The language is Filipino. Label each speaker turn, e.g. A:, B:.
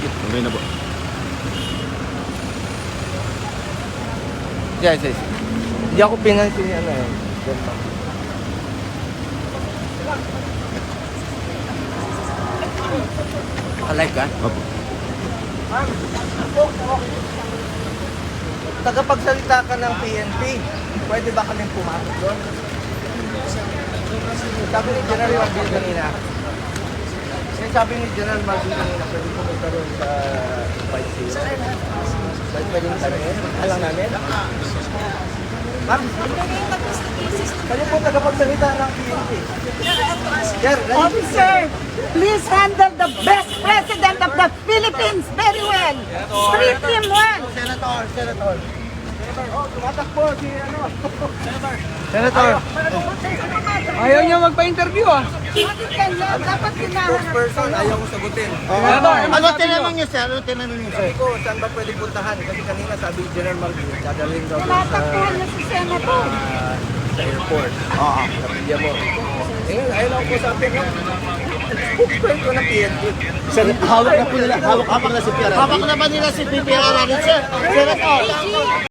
A: you.
B: Okay na po.
A: Yes, yes. Hindi ako pinansin yan eh. Alay ka?
B: Opo.
A: Tagapagsalita ka ng PNP, pwede ba kaming pumasok doon? Sabi ni General Marbil kanina, pwede pumunta doon sa Fight Zero. Pwede yung tanongin, alam namin. Ma'am, kayo po tagapagsalita ng PNP. Sir,
C: Officer, please handle the best president of the Philippines very well. Treat him well.
A: Senator. Oh, tumatakbo si ano. Senator.
D: Ayaw niya magpa-interview ah.
C: Bakit kailan? Dapat kinaharap.
A: Spokesperson, ayaw ko sagutin.
D: Ano
A: tinanong niyo, sir? Ano tinanong niyo, sir? Sabi ko, saan ba pwede puntahan? Kasi kanina sabi ni General Marbil, dadalhin daw doon
C: Tinatakbuhan niya si Senator.
A: sa airport. Oo. Sa pilya mo. Ngayon, ayaw ako po sa atin. Spokesperson ko ng PNP.
B: Sir, hawak na po nila. Hawak na si PRR. Hawak na ba nila si PRR? Sir,